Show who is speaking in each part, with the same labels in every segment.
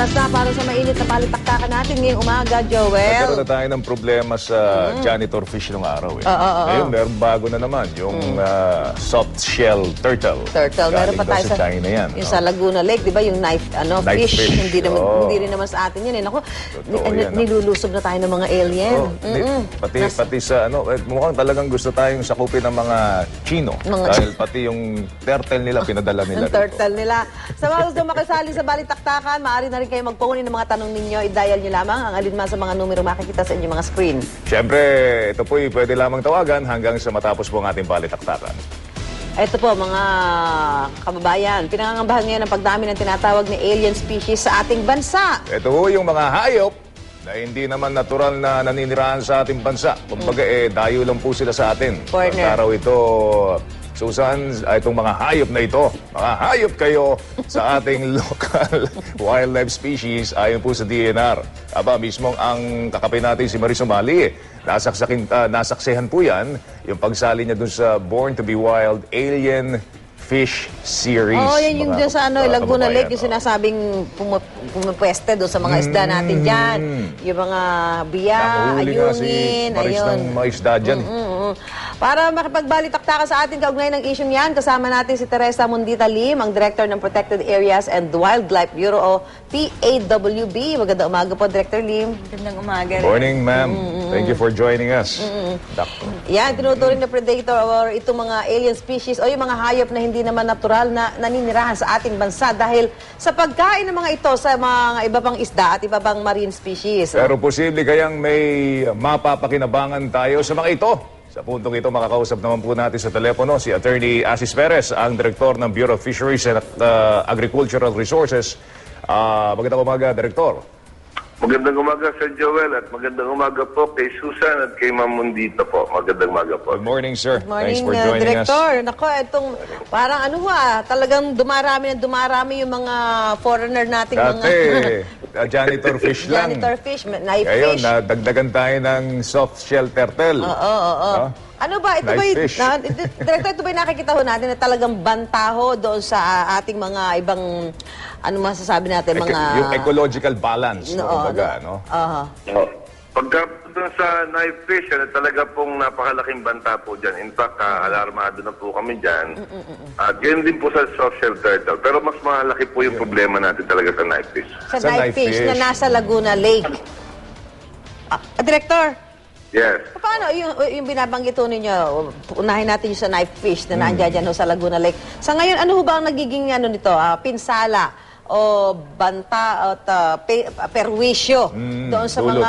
Speaker 1: oras na para sa mainit na palitaktakan natin ngayong umaga, Joel.
Speaker 2: Nagkaroon na tayo ng problema sa janitor fish nung araw. Ngayon, meron bago na naman, yung soft shell turtle.
Speaker 1: Meron pa tayo
Speaker 2: sa China yan.
Speaker 1: Yung sa Laguna Lake, di ba? Yung knife fish. Hindi rin naman sa atin yan. Naku, nilulusob na tayo ng mga alien.
Speaker 2: Pati sa mukhang talagang gusto tayong sakupin ng mga Chino. Dahil pati yung turtle nila, pinadala nila.
Speaker 1: Yung turtle nila. Sa mga gusto makasali sa balitaktakan, maaari na rin kayo magpunin ng mga tanong ninyo. I-dial nyo lamang ang alinman sa mga numero makikita sa inyong mga screen.
Speaker 2: Siyempre, ito po'y pwede lamang tawagan hanggang sa matapos po ang ating balitaktakan.
Speaker 1: Ito po, mga kababayan, pinangangambahan ngayon ang pagdami ng tinatawag na alien species sa ating bansa.
Speaker 2: Ito po yung mga hayop na hindi naman natural na naninirahan sa ating bansa. Kumbaga, dayo lang po sila sa atin. Pagkaraw ito, Susan, itong mga hayop na ito, mga hayop kayo sa ating local wildlife species ayon po sa DNR. Aba, mismong ang kakapin natin si Maris Umali, nasaksihan po yan, yung pagsali niya dun sa Born to be Wild Alien Fish Series.
Speaker 1: Yan yung dyan sa Laguna Lake, yung sinasabing pumupweste doon sa mga isda natin dyan. Yung mga biya, ayungin,
Speaker 2: Maris ng mga isda dyan.
Speaker 1: Para makipagbalitaktakan sa ating kaugnay ng isyong yan, kasama natin si Teresa Mundita Lim, ang Director ng Protected Areas and Wildlife Bureau o PAWB. Magandang umaga po, Director Lim.
Speaker 3: Magandang umaga.
Speaker 2: Morning, ma'am. Thank you for joining us.
Speaker 1: Yan, tinuturing na predator or itong mga alien species o yung mga hayop na hindi naman natural na naninirahan sa ating bansa dahil sa pagkain ng mga ito sa mga iba pang isda at iba pang marine species.
Speaker 2: Pero posible kayang may mapapakinabangan tayo sa mga ito. Sa puntong ito, makakausap naman po natin sa telepono si Attorney Asis Perez, ang Direktor ng Bureau of Fisheries and Agricultural Resources. Magandang umaga, Direktor.
Speaker 4: Magandang umaga, Sir Joel, at magandang umaga po kay Susan at kay Ma'am Mundita po. Magandang umaga po.
Speaker 2: Good morning, sir.
Speaker 1: Good morning,
Speaker 2: Thanks for joining
Speaker 1: Director.
Speaker 2: us.
Speaker 1: Nako, itong parang talagang dumarami yung mga foreigner nating
Speaker 2: Dati, janitor fish lang.
Speaker 1: Janitor fish, knife
Speaker 2: Ngayon,
Speaker 1: fish.
Speaker 2: nadagdagan tayo ng soft shell turtle.
Speaker 1: Ano ba? Ito ba Director, ito ba nakikita ho natin na talagang bantaho doon sa ating mga ibang, masasabi natin, mga...
Speaker 2: Yung ecological balance, kumbaga, no?
Speaker 4: Pagka doon sa knife fish, talaga pong napakalaking banta po dyan. In fact, alarmado na po kami dyan. At yun din po sa soft shell turtle. Pero mas malaki po yung problema natin talaga sa knife fish.
Speaker 1: Sa knife fish na nasa Laguna Lake. Director?
Speaker 4: Yes.
Speaker 1: Paano yung binabanggit ho ninyo, unahin natin yung sa knife fish na nandiyan dyan ho sa Laguna Lake. Sa ngayon, ano ho ba ang nagiging nito, pinsala o banta at perwisyo doon sa mga,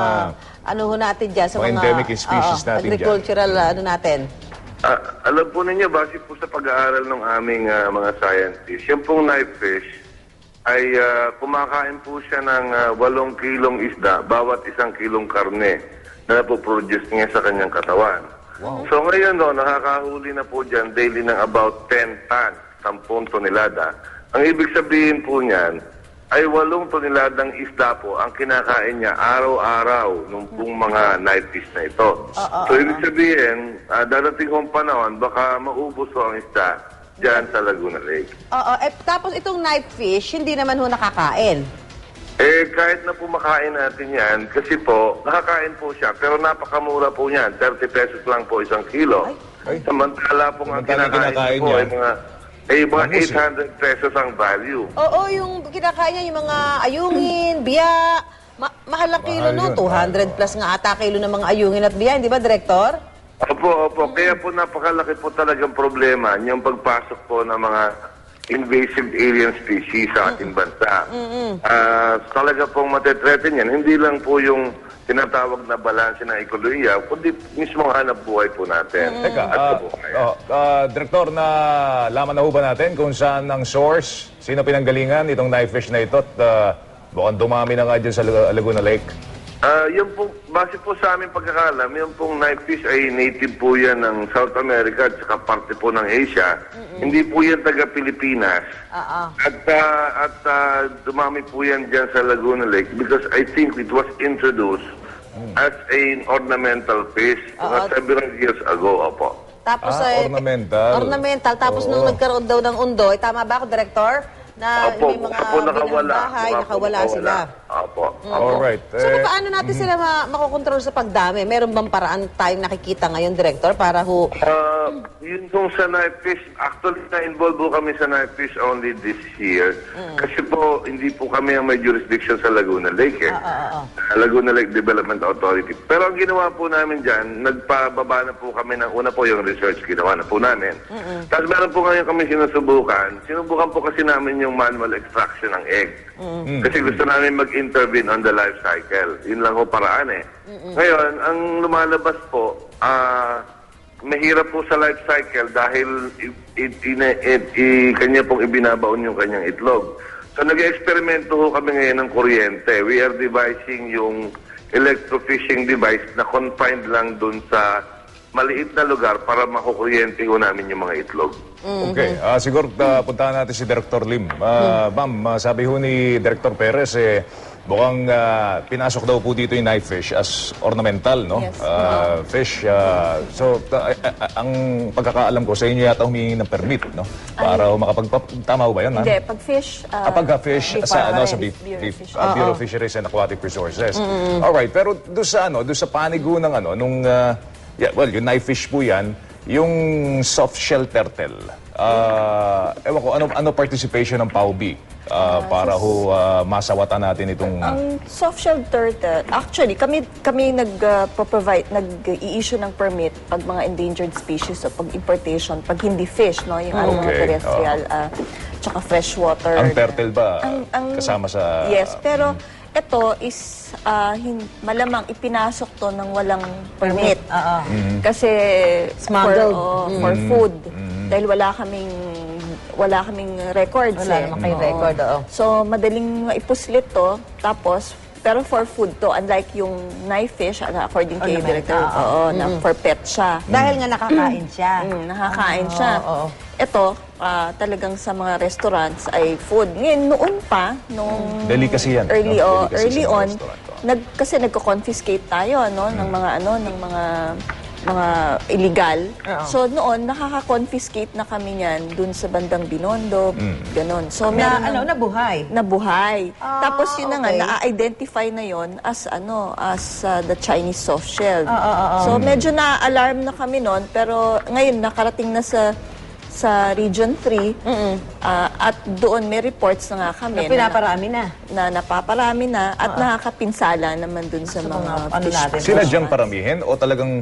Speaker 1: natin dyan, sa mga
Speaker 2: endemic species natin
Speaker 1: agricultural
Speaker 2: dyan.
Speaker 1: Natin?
Speaker 4: Alam po ninyo, base po sa pag-aaral ng aming mga scientists, yung pong knife fish ay kumakain po siya ng 8 kilong isda bawat 1 kilong karne na napoproduce niya sa kanyang katawan. Wow. So ngayon, nakakahuli na po dyan daily ng about 10 tons, 10 tonelada. Ang ibig sabihin po niyan ay 8 toneladang isda po ang kinakain niya araw-araw nung pong mga knife fish na ito. So ibig sabihin, darating kong panahon, baka maubos po ang isda dyan sa Laguna Lake.
Speaker 1: Tapos itong knife fish, hindi naman ho nakakain.
Speaker 4: Kahit na po makain natin yan, kasi po, nakakain po siya, pero napakamura po niyan. 30 pesos lang po 1 kilo. Samantala po ang kinakain po ay mga 800 pesos ang value.
Speaker 1: Yung kinakain niya, yung mga ayungin, biya, mahal ang kilo, no? 200 plus nga ata kilo ng mga ayungin at biya, hindi ba, Director?
Speaker 4: Opo. Kaya po napakalaki po talagang problema yung pagpasok po ng mga invasive alien species sa ating bansa. Talaga pong matetreten yan. Hindi lang po yung tinatawag na balanse ng ekolohiya, kundi mismo hanap buhay po natin.
Speaker 2: Teka, Direktor, na laman na ho ba natin kung saan ang source, sino pinanggalingan itong knife fish na ito at mukhang dumami na nga dyan sa Laguna Lake?
Speaker 4: Yung po, base po sa aming pagkakalam, yung pong knife fish ay native po yan ng South America at saka parte po ng Asia. Hindi po yan taga-Pilipinas. At dumami po yan dyan sa Laguna Lake because I think it was introduced as an ornamental fish several years ago, opo.
Speaker 1: Tapos
Speaker 2: ornamental.
Speaker 1: Ornamental. Tapos nung nagkaroon daw ng undoy, tama ba ako, Director? Na
Speaker 4: Opo,
Speaker 1: may mga
Speaker 4: opo, nakawala.
Speaker 1: bahay,
Speaker 4: Opo,
Speaker 1: nakawala sila.
Speaker 4: Opo.
Speaker 2: Alright.
Speaker 1: So, paano natin sila makokontrol sa pagdami? Meron bang paraan tayong nakikita ngayon, Director, para
Speaker 4: Yun kung sa knife fish, actually na-involve po kami sa knife fish only this year. Kasi po, hindi po kami ang may jurisdiction sa Laguna Lake Laguna Lake Development Authority. Pero ang ginawa po namin dyan, nagpababa na po kami ng una po yung research ginawa na po namin. Tapos meron po ngayon kami sinusubukan. Sinubukan po kasi namin yung manual extraction ng egg. Kasi gusto namin mag-intervene on the life cycle. Yun lang po paraan Ngayon, ang lumalabas po, mahirap po sa life cycle dahil kanya pong ibinabaon yung kanyang itlog. So nag-eksperimento ho kami ngayon ng kuryente. We are devising yung electrofishing device na confined lang dun sa maliit na lugar para makukuryente ho namin yung mga itlog.
Speaker 2: Okay. Siguro puntahan natin si Director Lim. Ma'am, sabi ho ni Director Perez, mukhang pinasok daw po dito yung knife fish as ornamental, no?
Speaker 3: Yes.
Speaker 2: Fish. Ang pagkakaalam ko, sa inyo yata humingi ng permit, no? Para tama ho ba yun, ma'am?
Speaker 3: Hindi, pag fish...
Speaker 2: Pagka-fish sa Bureau of Fisheries and Aquatic Resources. Alright, pero doon sa panigo ng yung knife fish po yan, yung soft shell turtle. Ewan ko, ano participation ng PAUB para masawatan natin itong...
Speaker 3: Ang soft shell turtle, actually, kami nag-provide, nag-i-issue ng permit pag mga endangered species o pag importation, pag hindi fish, no? Yung mga terrestrial, tsaka freshwater.
Speaker 2: Ang turtle ba kasama sa...
Speaker 3: Yes, pero ito is malamang ipinasok to ng walang permit. Kasi
Speaker 1: Smuggled.
Speaker 3: for food. Dahil wala kaming records.
Speaker 1: Wala naman kayong record,
Speaker 3: So, madaling maipuslit to. Tapos, pero for food to, unlike yung knife fish, according kay Director, na for pet siya.
Speaker 1: dahil nga nakakain siya.
Speaker 3: Nakakain siya. Ito, talagang sa mga restaurants ay food. Ngayon, noon pa, nung
Speaker 2: Delicacy yan.
Speaker 3: early,
Speaker 2: no? Delicacy
Speaker 3: early
Speaker 2: sa mga
Speaker 3: on,
Speaker 2: restaurant,
Speaker 3: kasi nagko-confiscate tayo ng mga illegal. So noon, nakaka-confiscate na kami niyan dun sa bandang Binondo, ganon. So meron nabuhay. Tapos yun na nga, na-identify na yon as the Chinese soft shell. So medyo na-alarm na kami noon, pero ngayon nakarating na sa Region 3 at doon may reports na nga kami na napaparami na at nakakapinsala naman doon sa mga fish.
Speaker 2: Sila diyang paramihin o talagang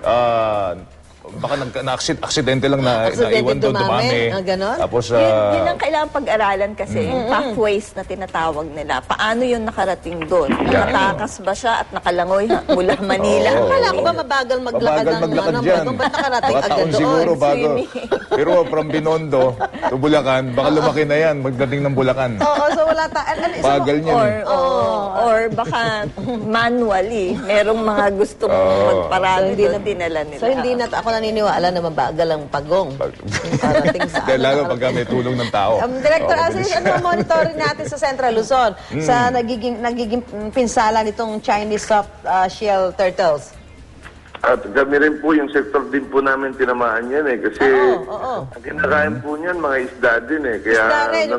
Speaker 2: baka aksidente lang na naiwan doon, dumami. Tapos,
Speaker 3: yun ang kailangan pag-aralan kasi, yung pathways na tinatawag nila. Paano yun nakarating doon? Nakatakas ba siya at nakalangoy mula Manila?
Speaker 1: Akala ko ba mabagal maglakad
Speaker 2: dyan.
Speaker 1: Ba't nakarating
Speaker 2: Baka
Speaker 1: agad
Speaker 2: taon
Speaker 1: doon?
Speaker 2: siguro bago. Pero from Binondo to Bulacan, baka lumaki na yan, magdating ng Bulacan.
Speaker 1: Oo, so wala
Speaker 2: Bagal niyan.
Speaker 3: Or baka manually, merong mga gustong magparami doon, dinala nila.
Speaker 1: So hindi na ako naniniwala na mabagal ang pagong. Parating sa
Speaker 2: Dahil lalo pag may tulong ng tao.
Speaker 1: Director Asis, ano ang monitoring natin sa Central Luzon sa nagiging pinsala nitong Chinese soft shell turtles?
Speaker 4: At kami rin po, yung sector din po namin tinamaan yan kasi ang kinakain po niyan mga isda din Kaya,
Speaker 1: Isda rin.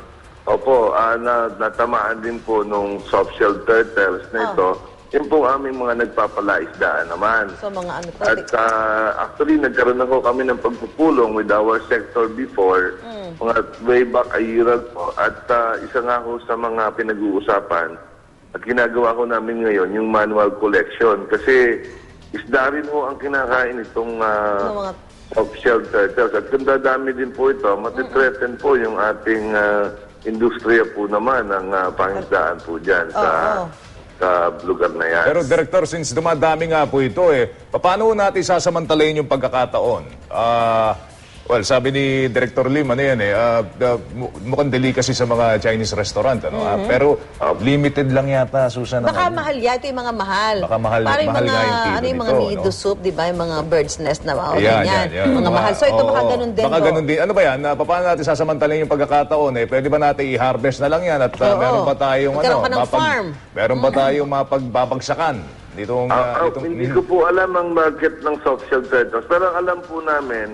Speaker 4: natamaan din po nung soft shell turtles na ito. Yun po aming mga nagpapalaisdaan naman.
Speaker 1: So mga ano to?
Speaker 4: At actually, nagkaroon ako kami ng pagpupulong with our sector before, mga way back a year ago. At isa nga ho sa mga pinag-uusapan at ginagawa ko namin ngayon, yung manual collection. Kasi isda rin ho ang kinakain itong soft-shell turtles. At kung dadami din po ito, matitreaten po yung ating industriya po naman ng pangisdaan po dyan sa lugar na yan.
Speaker 2: Pero Director, since dumadami nga po ito paano natin sasamantalayin yung pagkakataon? Well, sabi ni Director Lim, mukhang delicacy sa mga Chinese restaurant, pero limited lang yata, Susan.
Speaker 1: Baka mahal yan. Ito yung mga mahal.
Speaker 2: Baka mahal
Speaker 1: Parang
Speaker 2: nga yung kilo
Speaker 1: yung mga
Speaker 2: nito,
Speaker 1: nido soup, di ba? Yung mga bird's nest na
Speaker 2: Yan.
Speaker 1: Mga mahal. So ito baka ganun din.
Speaker 2: Baka ganun din. Ano ba yan? Paano natin sasamantalayin yung pagkakataon? Pwede ba natin i-harvest na lang yan? At meron pa tayong
Speaker 1: Magkaroon ka ng farm.
Speaker 2: Meron pa tayong mapagbabagsakan? Hindi
Speaker 4: ko po alam ang market ng soft shell turtles, pero ang alam po namin,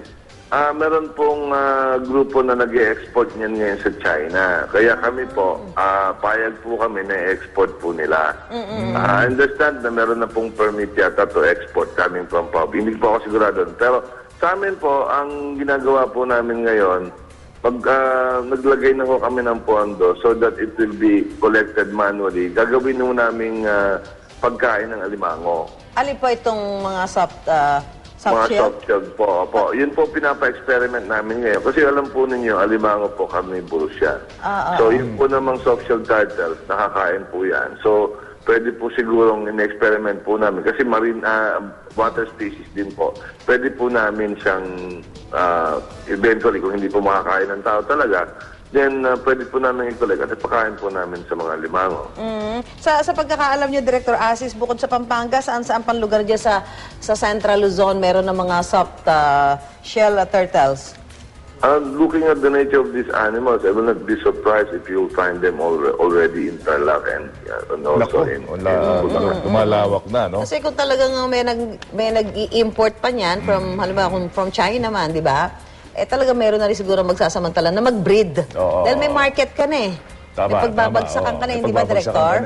Speaker 4: Meron pong grupo na nag-export niyan ngayon sa China. Kaya kami po, payag po kami na export po nila. I understand na meron na pong permit yata to export coming from POB. Hindi po ako sigurado. Pero sa amin po, ang ginagawa po namin ngayon, naglagay na po kami ng pondo so that it will be collected manually. Gagawin po namin pagkain ng alimango.
Speaker 1: Alin po itong mga soft
Speaker 4: Mga
Speaker 1: shell?
Speaker 4: soft shell po. Opo. Yun po pinapa-experiment namin ngayon. Kasi alam po ninyo, alimango po carnivorous yan. So yun po namang soft shell turtles, nakakain po yan. So pwede po sigurong in-experiment po namin. Kasi marine water species din po. Pwede po namin siyang eventually, kung hindi po makakain ng tao talaga, then pwede po namin i-collect at ipakain po namin sa mga limango.
Speaker 1: Sa pagkakaalam niyo, Director Asis, bukod sa Pampanga, saan pang lugar dyan sa Central Luzon meron ng mga soft shell turtles?
Speaker 4: Looking at the nature of these animals, I will not be surprised if you find them already in Tarlac and also in
Speaker 2: lumalawak na, no?
Speaker 1: Kasi kung talagang may nag-i-import pa niyan halimbawa from China man, di ba? Talaga meron na rin siguro magsasamantala na mag-breed. Dahil may market ka na eh.
Speaker 2: Tama,
Speaker 1: may pagbabagsakan ka na, hindi ba, Director?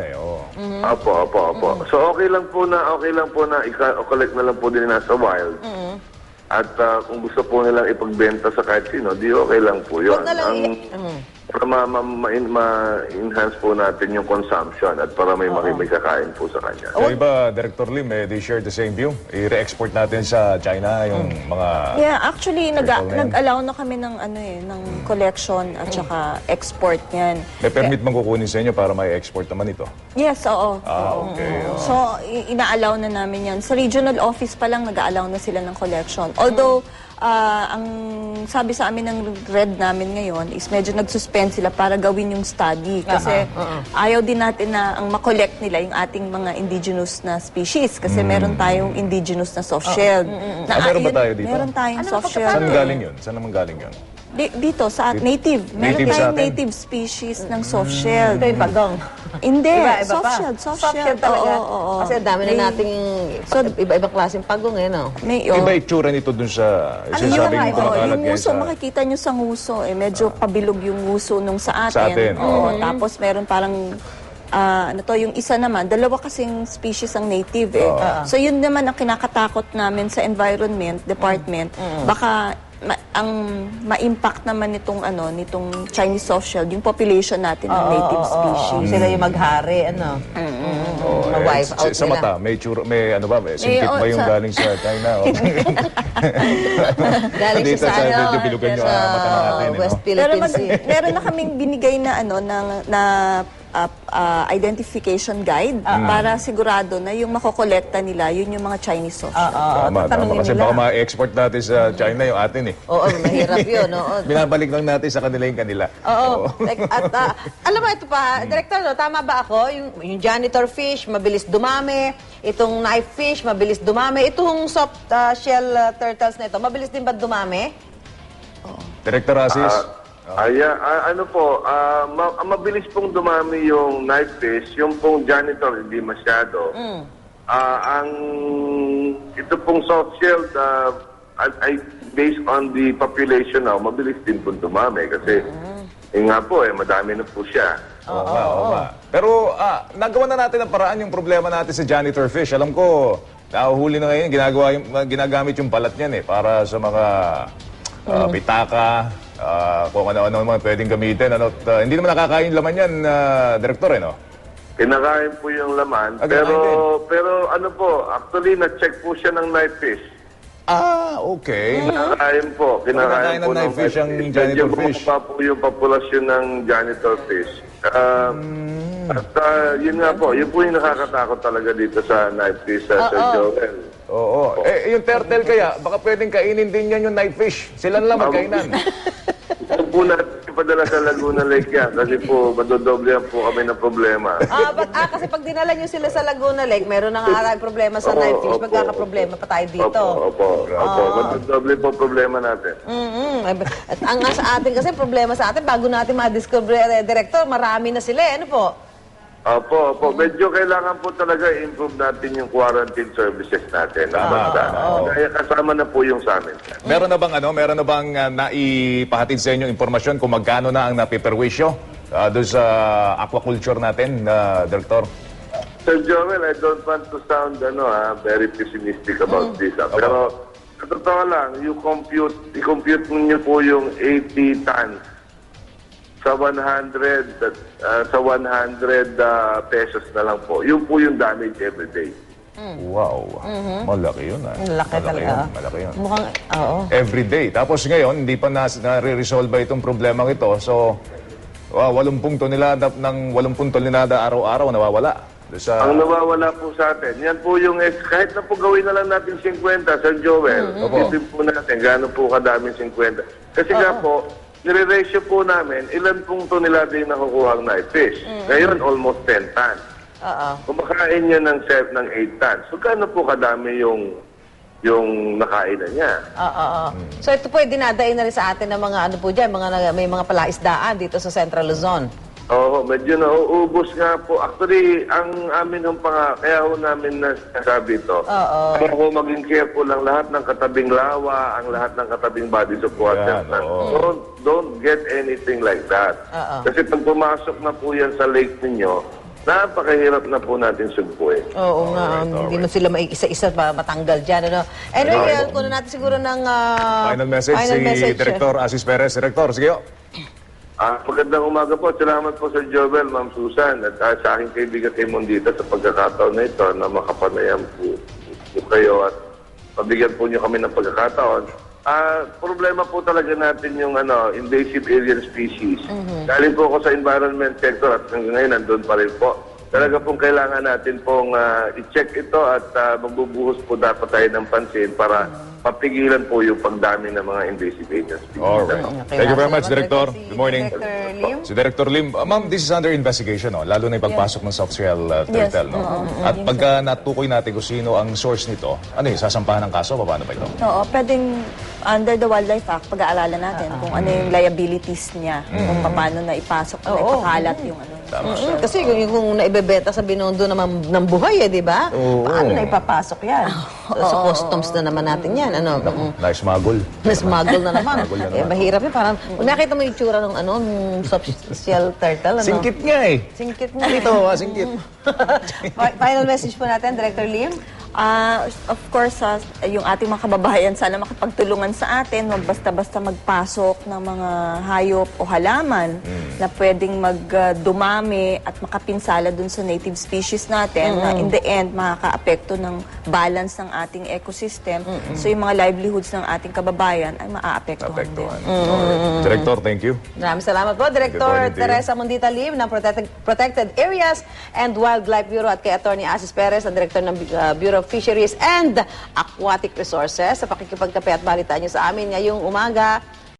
Speaker 4: Opo. So okay lang po na i-collect na lang po din nasa wild. At kung gusto po nilang ipagbenta sa kahit sino, di okay lang po yun.
Speaker 1: Huwag na lang
Speaker 4: para ma-enhance po natin yung consumption at para may kakain po sa kanya.
Speaker 2: Yung iba, Director Lim, they share the same view. I-re-export natin sa China yung mga...
Speaker 3: Yeah, actually, nag-allow na kami ng, ng collection at saka export niyan.
Speaker 2: May permit mang kukunin sa inyo para may export naman ito?
Speaker 3: Yes, oo.
Speaker 2: Okay.
Speaker 3: So, ina-allow na namin yan. Sa regional office pa lang, nag-allow na sila ng collection. Although, ang sabi sa amin ng Red namin ngayon is medyo nag-suspend sila para gawin yung study. Kasi ayaw din natin na ang makollect nila yung ating mga indigenous na species. Kasi meron tayong indigenous na soft-shelled.
Speaker 2: Meron ba tayo dito?
Speaker 3: Meron tayong soft-shelled.
Speaker 2: Saan galing yun? Saan naman galing yun?
Speaker 3: Dito, sa native. Meron
Speaker 2: Native sa
Speaker 3: tayong
Speaker 2: atin?
Speaker 3: native species ng soft-shelled.
Speaker 1: Ito yung pagong.
Speaker 3: Hindi,
Speaker 1: Iba pa.
Speaker 3: soft-shelled.
Speaker 1: Soft-shell talaga.
Speaker 3: Oo.
Speaker 1: Kasi dami na nating iba-ibang klaseng pagong eh, no?
Speaker 2: Iba itsura nito dun sa sinasabing kumakalat
Speaker 3: yung
Speaker 2: ngayon
Speaker 3: nguso,
Speaker 2: sa...
Speaker 3: makikita nyo sa nguso, medyo pabilog yung nguso nung sa atin.
Speaker 2: Sa atin.
Speaker 3: Oo, tapos meron parang, yung isa naman, dalawa kasing species ang native eh. So yun naman ang kinakatakot namin sa environment department. Baka ang ma-impact naman nitong Chinese soft-shell, yung population natin ng native species.
Speaker 1: Sila yung maghari, ano? Ma-wipe out
Speaker 2: Sa mata, may singkit ba yung galing sa China?
Speaker 1: Galing
Speaker 2: Dito
Speaker 1: sa
Speaker 2: medyo bilugan yung mata natin.
Speaker 1: West
Speaker 3: Pero
Speaker 1: Philippines Sea.
Speaker 3: meron na kaming binigay na identification guide para sigurado na yung makokolekta nila, yun yung mga Chinese soft shell.
Speaker 2: Tama. Kasi baka ma-export natin sa China yung atin eh.
Speaker 1: Oo, mahirap yun.
Speaker 2: Binabalik lang natin sa kanila yung kanila.
Speaker 1: Oo. At alam mo, ito pa, Director, tama ba ako? Yung janitor fish, mabilis dumami. Itong knife fish, mabilis dumami. Itong soft shell turtles na ito, mabilis din ba dumami?
Speaker 2: Director Asis?
Speaker 4: Mabilis pong dumami yung knife fish, yung pong janitor hindi masyado. Ito pong soft shell ay based on the population now, mabilis din po dumami kasi nga po madami na po siya.
Speaker 2: Oo nga. Pero nagawa na natin ang paraan yung problema natin sa janitor fish. Alam ko, nahuhuli na ngayon, ginagamit yung balat niyan para sa mga pitaka, kung ano-ano naman pwedeng gamitin. Hindi naman nakakain laman yan, Director, no?
Speaker 4: Kinakain po yung laman, pero actually na-check po siya ng knife fish.
Speaker 2: Okay.
Speaker 4: Kinakain po
Speaker 2: Kinakain ng knife fish ang janitor fish.
Speaker 4: Medyo po yung populasyon ng janitor fish. At yun nga po, yun po yung nakakatakot talaga dito sa knife fish, Sir Joel.
Speaker 2: Oo. Yung turtle kaya, baka pwedeng kainin din yan yung knife fish. Sila lang magkainan.
Speaker 4: Ito po natin ipadala sa Laguna Lake yan kasi po madodoblehan po kami ng problema.
Speaker 1: Kasi pag dinala nyo sila sa Laguna Lake, meron na nga problema sa knife fish, magkakaproblema pa tayo dito.
Speaker 4: Opo. Madodoble po problema natin.
Speaker 1: At ang sa atin kasi, problema sa atin, bago natin ma-discover, Director, marami na sila, ano po?
Speaker 4: Opo, opo. Medyo kailangan po talaga i-improve natin yung quarantine services natin. Kaya kasama na po yung sa amin.
Speaker 2: Meron na bang naipahatid sa inyo impormasyon kung magkano na ang napiperwisyo doon sa aquaculture natin, Director?
Speaker 4: Sir Joel, I don't want to sound very pessimistic about this. Pero sa totoo lang, i-compute niyo po yung 80 tons sa 100 pesos na lang po. Yun po yung damage every day.
Speaker 2: Wow. Malaki yun.
Speaker 1: Malaki talaga.
Speaker 2: Malaki yun.
Speaker 1: Mukhang, oo.
Speaker 2: Every day. Tapos ngayon, hindi pa nare-resolve itong problema ito. So, 80 tonelada ng 80 tonelada araw-araw nawawala.
Speaker 4: Ang nawawala po sa atin, yan po yung, kahit na po gawin na lang natin 50, Sir Joel, isipin po natin, gaano po kadaming 50. Kasi nga po, nire-ratio po namin, ilan pong tonelada yung nakukuha ng fish. Ngayon, almost 10 tons. Kumakain niya ng 8 tons. So, gaano po kadami yung nakainan niya?
Speaker 1: So, ito po, dinadain na rin sa atin ng mga ano po dyan, may mga palaisdaan dito sa Central Luzon.
Speaker 4: Oo, medyo nauubos nga po. Actually, ang amin kaya ho namin nasabi ito. Kaya ho maging careful ang lahat ng katabing lawa, ang lahat ng katabing bodies of water. Don't get anything like that. Kasi pag pumasok na po yan sa lake ninyo, napakahirap na po natin sugpuin.
Speaker 1: Oo nga, hindi mo sila isa-isa matanggal dyan. Ano? Anyway, kunin natin siguro ng
Speaker 2: final message. Director Asis Perez. Director, sige.
Speaker 4: Magandang umaga po. Salamat po sa Joel, Ma'am Susan, at sa aking kaibigan kay Mondita sa pagkakataon na ito na makapanayam po kayo at pabigyan po niyo kami ng pagkakataon. Problema po talaga natin yung invasive alien species. Galing po ako sa environment sector at hanggang ngayon nandun pa rin po. Talaga pong kailangan natin pong i-check ito at magbubuhos po dapat tayo ng pansin para papigilan po yung pagdami ng mga invasive alien species.
Speaker 2: Alright. Thank you very much, Director. Good morning.
Speaker 1: Director Lim.
Speaker 2: Si Director Lim. Ma'am, this is under investigation, lalo na yung pagpasok ng soft shell turtle. At pagka natukoy natin kung sino ang source nito, sasampahan ng kaso? Paano ba ito?
Speaker 3: Oo, pwedeng under the Wildlife Act, pag-aalalan natin kung ano yung liabilities niya, kung paano na ipasok, na ipakalat yung
Speaker 1: Kasi kung naibebenta sa Binondo naman ng buhay, di ba? Paano na ipapasok yan? Sa customs na naman natin yan.
Speaker 2: Na-smuggle.
Speaker 1: Na-smuggle na naman. Mahirap yun. Parang, kung nakita mo yung tsura ng soft shell turtle,
Speaker 2: Singkit nga eh.
Speaker 1: Singkit nga.
Speaker 2: Ito, singkit.
Speaker 1: Final message po natin, Director Lim.
Speaker 3: Of course, yung ating mga kababayan, sana makapagtulungan sa atin, huwag basta-basta magpasok ng mga hayop o halaman na pwedeng magdumami at makapinsala dun sa native species natin na in the end, makaka-apekto ng balance ng ating ecosystem. So yung mga livelihoods ng ating kababayan ay maaapektuhan din.
Speaker 2: Director, thank you.
Speaker 1: Maraming salamat po, Director Teresa Mondita Lim ng Protected Areas and Wildlife Bureau at kay Attorney Asis Perez, ang Director ng Bureau of Fisheries and Aquatic Resources sa pakikipagkape at balitaan niyo sa amin ngayong umaga.